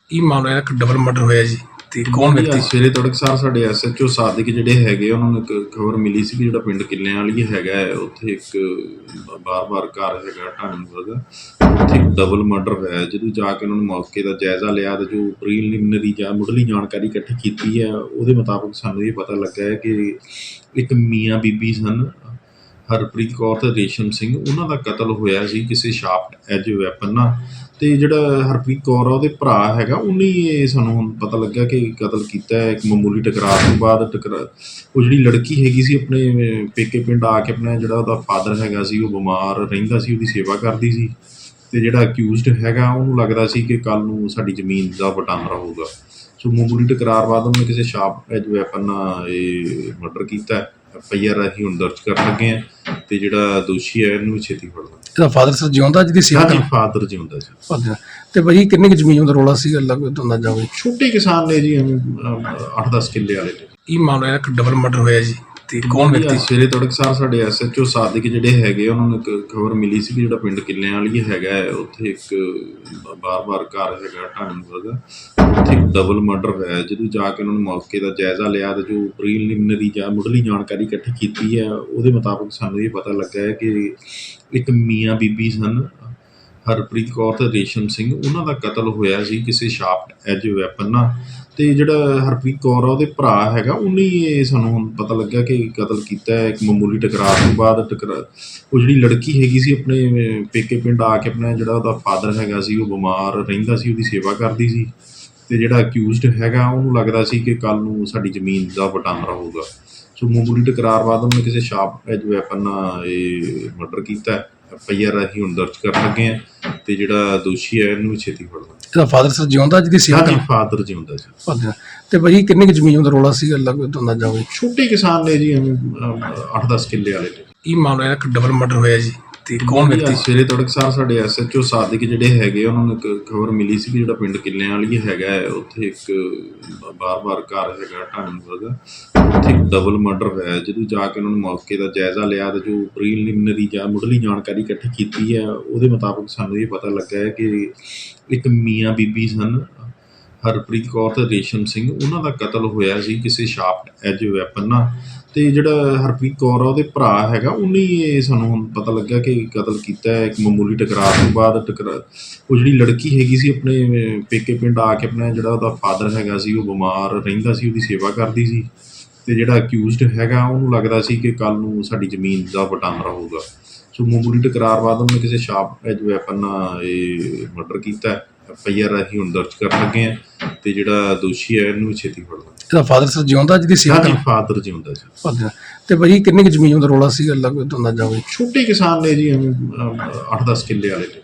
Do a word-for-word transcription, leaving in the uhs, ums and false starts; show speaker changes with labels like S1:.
S1: ਕੀ ਮਾਮਲਾ ਹੈ? ਇੱਕ ਡਬਲ ਮਰਡਰ ਹੋਇਆ ਜੀ ਤੇ ਕੌਣ
S2: ਜੀ,
S1: ਵਿਅਕਤੀ?
S2: ਅੱਜ ਸਵੇਰੇ ਤੜਕਸਾਰ ਸਾਡੇ ਐਸ ਐਚ ਓ ਸਾਦਿਕ ਜਿਹੜੇ ਹੈਗੇ ਉਹਨਾਂ ਨੂੰ ਇੱਕ ਖਬਰ ਮਿਲੀ ਸੀ ਕਿ ਜਿਹੜਾ ਪਿੰਡ ਕਿੱਲਿਆਂ ਵਾਲੀ ਹੈਗਾ ਹੈ, ਉੱਥੇ ਇੱਕ ਬਾਰ-ਬਾਰ ਘਰ ਹੈਗਾ ਢਾਣੀਪੁਰ ਦਾ, ਉੱਥੇ ਇੱਕ ਡਬਲ ਮਰਡਰ ਹੋਇਆ। ਜਦੋਂ ਜਾ ਕੇ ਉਹਨਾਂ ਨੇ ਮੌਕੇ ਦਾ ਜਾਇਜ਼ਾ ਲਿਆ ਤੇ ਜੋ ਪ੍ਰੀਲਿਮਿਨਰੀ ਜਾਂ ਮੁੱਢਲੀ ਜਾਣਕਾਰੀ ਇਕੱਠੀ ਕੀਤੀ ਹੈ, ਉਹਦੇ ਮੁਤਾਬਕ ਸਾਨੂੰ ਇਹ ਪਤਾ ਲੱਗਾ ਹੈ ਕਿ ਇੱਕ ਮੀਆਂ ਬੀਬੀ ਸਨ, ਹਰਪ੍ਰੀਤ ਕੌਰ ਤੇ ਰੇਸ਼ਮ ਸਿੰਘ, ਉਹਨਾਂ ਦਾ ਕਤਲ ਹੋਇਆ ਸੀ ਕਿਸੇ ਸ਼ਾਰਪ ਐਜ ਵੈਪਨ ਨਾਲ। ਅਤੇ ਜਿਹੜਾ ਹਰਪ੍ਰੀਤ ਕੌਰ ਆ ਉਹਦੇ ਭਰਾ ਹੈਗਾ, ਉਹਨੇ ਇਹ ਸਾਨੂੰ ਹੁਣ ਪਤਾ ਲੱਗਾ ਕਿ ਕਤਲ ਕੀਤਾ ਹੈ। ਇੱਕ ਮਾਮੂਲੀ ਟਕਰਾਅ ਤੋਂ ਬਾਅਦ ਟਕਰਾ ਉਹ ਜਿਹੜੀ ਲੜਕੀ ਹੈਗੀ ਸੀ ਆਪਣੇ ਪੇਕੇ ਪਿੰਡ ਆ ਕੇ, ਆਪਣਾ ਜਿਹੜਾ ਉਹਦਾ ਫਾਦਰ ਹੈਗਾ ਸੀ ਉਹ ਬਿਮਾਰ ਰਹਿੰਦਾ ਸੀ, ਉਹਦੀ ਸੇਵਾ ਕਰਦੀ ਸੀ। ਅਤੇ ਜਿਹੜਾ ਅਕਿਊਜ਼ਡ ਹੈਗਾ ਉਹਨੂੰ ਲੱਗਦਾ ਸੀ ਕਿ ਕੱਲ੍ਹ ਨੂੰ ਸਾਡੀ ਜ਼ਮੀਨ ਦਾ ਵਟਾਂਦਰਾ ਹੋਊਗਾ। ਸੋ ਮਾਮੂਲੀ ਟਕਰਾਅ ਬਾਅਦ ਉਹਨੇ ਕਿਸੇ ਸ਼ਾਰਪ ਐਜ ਵੈਪਨ ਨਾਲ ਇਹ ਮਰਡਰ ਕੀਤਾ। ਐਫ ਆਈ ਆਰ ਅਸੀਂ ਹੁਣ ਦਰਜ ਕਰਨ ਲੱਗੇ ਹਾਂ ਅਤੇ ਜਿਹੜਾ ਦੋਸ਼ੀ ਹੈ ਇਹਨੂੰ ਵੀ ਛੇਤੀ ਫੜ ਲਾਂਗੇ।
S1: ਇਹਦਾ ਫਾਦਰ ਸਰ ਜਿਉਂਦਾ ਜਿਹਦੀ ਸੇਵਾ
S2: ਹਾਂਜੀ,
S1: ਕਰ
S2: ਫਾਦਰ ਜਿਉਂਦਾ ਜੀ।
S1: ਫਾਦਰ ਤੇ ਭਾਜੀ ਕਿੰਨੀ ਕੁ ਜ਼ਮੀਨ ਦਾ ਰੌਲਾ ਸੀਗਾ ਲੱਗ ਤੁਹਾਨੂੰ ਜਾਵੇ?
S2: ਛੋਟੇ ਕਿਸਾਨ ਨੇ ਜੀ, ਅੱਠ ਦਸ ਕਿੱਲੇ ਵਾਲੇ ਨੇ।
S1: ਕੀ ਮਾਮਲਾ ਹੈ? ਇੱਕ ਡਬਲ ਮਰਡਰ ਹੋਇਆ ਜੀ ਤੇ ਕੌਣ
S2: ਜੀ,
S1: ਵਿਅਕਤੀ?
S2: ਅੱਜ ਸਵੇਰੇ ਤੜਕਸਾਰ ਸਾਡੇ ਐਸ ਐਚ ਓ ਸਾਦਿਕ ਜਿਹੜੇ ਹੈਗੇ ਉਹਨਾਂ ਨੂੰ ਇੱਕ ਖਬਰ ਮਿਲੀ ਸੀ ਕਿ ਜਿਹੜਾ ਪਿੰਡ ਕਿੱਲਿਆਂ ਵਾਲੀ ਹੈਗਾ ਹੈ, ਉੱਥੇ ਇੱਕ ਬਾਰ-ਬਾਰ ਘਰ ਹੈਗਾ ਢਾਣੀਪੁਰ ਦਾ, ਉੱਥੇ ਇੱਕ ਡਬਲ ਮਰਡਰ ਹੋਇਆ। ਜਦੋਂ ਜਾ ਕੇ ਉਹਨਾਂ ਨੇ ਮੌਕੇ ਦਾ ਜਾਇਜ਼ਾ ਲਿਆ ਤੇ ਜੋ ਪ੍ਰੀਲਿਮਿਨਰੀ ਜਾਂ ਮੁੱਢਲੀ ਜਾਣਕਾਰੀ ਇਕੱਠੀ ਕੀਤੀ ਹੈ, ਉਹਦੇ ਮੁਤਾਬਕ ਸਾਨੂੰ ਇਹ ਪਤਾ ਲੱਗਾ ਹੈ ਕਿ ਇੱਕ ਮੀਆਂ ਬੀਬੀ ਸਨ, ਹਰਪ੍ਰੀਤ ਕੌਰ ਤੇ ਰੇਸ਼ਮ ਸਿੰਘ, ਉਹਨਾਂ ਦਾ ਕਤਲ ਹੋਇਆ ਸੀ ਕਿਸੇ ਸ਼ਾਰਪ ਐਜ ਵੈਪਨ ਨਾਲ। ਅਤੇ ਜਿਹੜਾ ਹਰਪ੍ਰੀਤ ਕੌਰ ਆ ਉਹਦੇ ਭਰਾ ਹੈਗਾ, ਉਹਨੇ ਇਹ ਸਾਨੂੰ ਹੁਣ ਪਤਾ ਲੱਗਾ ਕਿ ਕਤਲ ਕੀਤਾ ਹੈ। ਇੱਕ ਮਾਮੂਲੀ ਟਕਰਾਅ ਤੋਂ ਬਾਅਦ ਟਕਰਾ ਉਹ ਜਿਹੜੀ ਲੜਕੀ ਹੈਗੀ ਸੀ ਆਪਣੇ ਪੇਕੇ ਪਿੰਡ ਆ ਕੇ, ਆਪਣਾ ਜਿਹੜਾ ਉਹਦਾ ਫਾਦਰ ਹੈਗਾ ਸੀ ਉਹ ਬਿਮਾਰ ਰਹਿੰਦਾ ਸੀ, ਉਹਦੀ ਸੇਵਾ ਕਰਦੀ ਸੀ। ਅਤੇ ਜਿਹੜਾ ਅਕਿਊਜ਼ਡ ਹੈਗਾ ਉਹਨੂੰ ਲੱਗਦਾ ਸੀ ਕਿ ਕੱਲ੍ਹ ਨੂੰ ਸਾਡੀ ਜ਼ਮੀਨ ਦਾ ਵਟਾਂਦਰਾ ਹੋਊਗਾ। ਸੋ ਮਾਮੂਲੀ ਟਕਰਾਅ ਬਾਅਦ ਉਹਨੇ ਕਿਸੇ ਸ਼ਾਰਪ ਐਜ ਵੈਪਨ ਨਾਲ ਇਹ ਮਰਡਰ ਕੀਤਾ। ਐਫ ਆਈ ਆਰ ਅਸੀਂ ਹੁਣ ਦਰਜ ਕਰਨ ਲੱਗੇ ਹਾਂ ਅਤੇ ਜਿਹੜਾ ਦੋਸ਼ੀ ਹੈ ਇਹਨੂੰ ਵੀ ਛੇਤੀ ਫੜ ਲਾਂਗੇ।
S1: ਇਹਦਾ ਫਾਦਰ ਸਰ ਜਿਉਂਦਾ ਜਿਹਦੀ ਸੇਵਾ
S2: ਹਾਂਜੀ,
S1: ਕਰ
S2: ਫਾਦਰ ਜਿਉਂਦਾ ਜੀ।
S1: ਫਾਦਰ ਤੇ ਭਾਜੀ ਕਿੰਨੀ ਕੁ ਜ਼ਮੀਨ ਦਾ ਰੌਲਾ ਸੀਗਾ ਲੱਗ ਤੁਹਾਨੂੰ ਜਾਵੇ?
S2: ਛੋਟੇ ਕਿਸਾਨ ਨੇ ਜੀ, ਅੱਠ ਦਸ ਕਿੱਲੇ ਵਾਲੇ ਨੇ।
S1: ਕੀ ਮਾਮਲਾ ਹੈ? ਇੱਕ ਡਬਲ ਮਰਡਰ ਹੋਇਆ ਜੀ ਤੇ ਕੌਣ
S2: ਜੀ,
S1: ਵਿਅਕਤੀ?
S2: ਅੱਜ ਸਵੇਰੇ ਤੜਕਸਾਰ ਸਾਡੇ ਐਸ ਐਚ ਓ ਸਾਦਿਕ ਜਿਹੜੇ ਹੈਗੇ ਉਹਨਾਂ ਨੂੰ ਇੱਕ ਖਬਰ ਮਿਲੀ ਸੀ ਕਿ ਜਿਹੜਾ ਪਿੰਡ ਕਿੱਲਿਆਂ ਵਾਲੀ ਹੈਗਾ ਹੈ, ਉੱਥੇ ਇੱਕ ਬਾਰ-ਬਾਰ ਘਰ ਹੈਗਾ ਢਾਣੀਪੁਰ ਦਾ, ਉੱਥੇ ਇੱਕ ਡਬਲ ਮਰਡਰ ਹੋਇਆ। ਜਦੋਂ ਜਾ ਕੇ ਉਹਨਾਂ ਨੇ ਮੌਕੇ ਦਾ ਜਾਇਜ਼ਾ ਲਿਆ ਤੇ ਜੋ ਪ੍ਰੀਲਿਮਿਨਰੀ ਜਾਂ ਮੁੱਢਲੀ ਜਾਣਕਾਰੀ ਇਕੱਠੀ ਕੀਤੀ ਹੈ, ਉਹਦੇ ਮੁਤਾਬਕ ਸਾਨੂੰ ਇਹ ਪਤਾ ਲੱਗਾ ਹੈ ਕਿ ਇੱਕ ਮੀਆਂ ਬੀਬੀ ਸਨ, ਹਰਪ੍ਰੀਤ ਕੌਰ ਤੇ ਰੇਸ਼ਮ ਸਿੰਘ, ਉਹਨਾਂ ਦਾ ਕਤਲ ਹੋਇਆ ਸੀ ਕਿਸੇ ਸ਼ਾਰਪ ਐਜ ਵੈਪਨ ਨਾਲ। ਅਤੇ ਜਿਹੜਾ ਹਰਪ੍ਰੀਤ ਕੌਰ ਆ ਉਹਦੇ ਭਰਾ ਹੈਗਾ, ਉਹਨੇ ਇਹ ਸਾਨੂੰ ਹੁਣ ਪਤਾ ਲੱਗਾ ਕਿ ਕਤਲ ਕੀਤਾ ਹੈ। ਇੱਕ ਮਾਮੂਲੀ ਟਕਰਾਅ ਤੋਂ ਬਾਅਦ ਟਕਰਾ ਉਹ ਜਿਹੜੀ ਲੜਕੀ ਹੈਗੀ ਸੀ ਆਪਣੇ ਪੇਕੇ ਪਿੰਡ ਆ ਕੇ, ਆਪਣਾ ਜਿਹੜਾ ਉਹਦਾ ਫਾਦਰ ਹੈਗਾ ਸੀ ਉਹ ਬਿਮਾਰ ਰਹਿੰਦਾ ਸੀ, ਉਹਦੀ ਸੇਵਾ ਕਰਦੀ ਸੀ। ਅਤੇ ਜਿਹੜਾ ਅਕਿਊਜ਼ਡ ਹੈਗਾ ਉਹਨੂੰ ਲੱਗਦਾ ਸੀ ਕਿ ਕੱਲ੍ਹ ਨੂੰ ਸਾਡੀ ਜ਼ਮੀਨ ਦਾ ਵਟਾਂਦਰਾ ਹੋਊਗਾ। ਸੋ ਮਾਮੂਲੀ ਟਕਰਾਅ ਬਾਅਦ ਉਹਨੇ ਕਿਸੇ ਸ਼ਾਰਪ ਐਜ ਵੈਪਨ ਨਾਲ ਇਹ ਮਰਡਰ ਕੀਤਾ। ਐਫ ਆਈ ਆਰ ਅਸੀਂ ਹੁਣ ਦਰਜ ਕਰਨ ਲੱਗੇ ਹਾਂ ਅਤੇ ਜਿਹੜਾ ਦੋਸ਼ੀ ਹੈ ਇਹਨੂੰ ਵੀ ਛੇਤੀ ਫੜ ਲਾਂਗੇ।
S1: ਇਹਦਾ ਫਾਦਰ ਸਰ ਜਿਉਂਦਾ ਜਿਹਦੀ ਸੇਵਾ
S2: ਹਾਂਜੀ,
S1: ਕਰ
S2: ਫਾਦਰ ਜਿਉਂਦਾ ਜੀ।
S1: ਫਾਦਰ ਤੇ ਭਾਜੀ ਕਿੰਨੀ ਕੁ ਜ਼ਮੀਨ ਦਾ ਰੌਲਾ ਸੀਗਾ ਲੱਗ ਤੁਹਾਨੂੰ ਜਾਵੇ?
S2: ਛੋਟੇ ਕਿਸਾਨ ਨੇ ਜੀ, ਅੱਠ ਦਸ ਕਿੱਲੇ ਵਾਲੇ ਨੇ।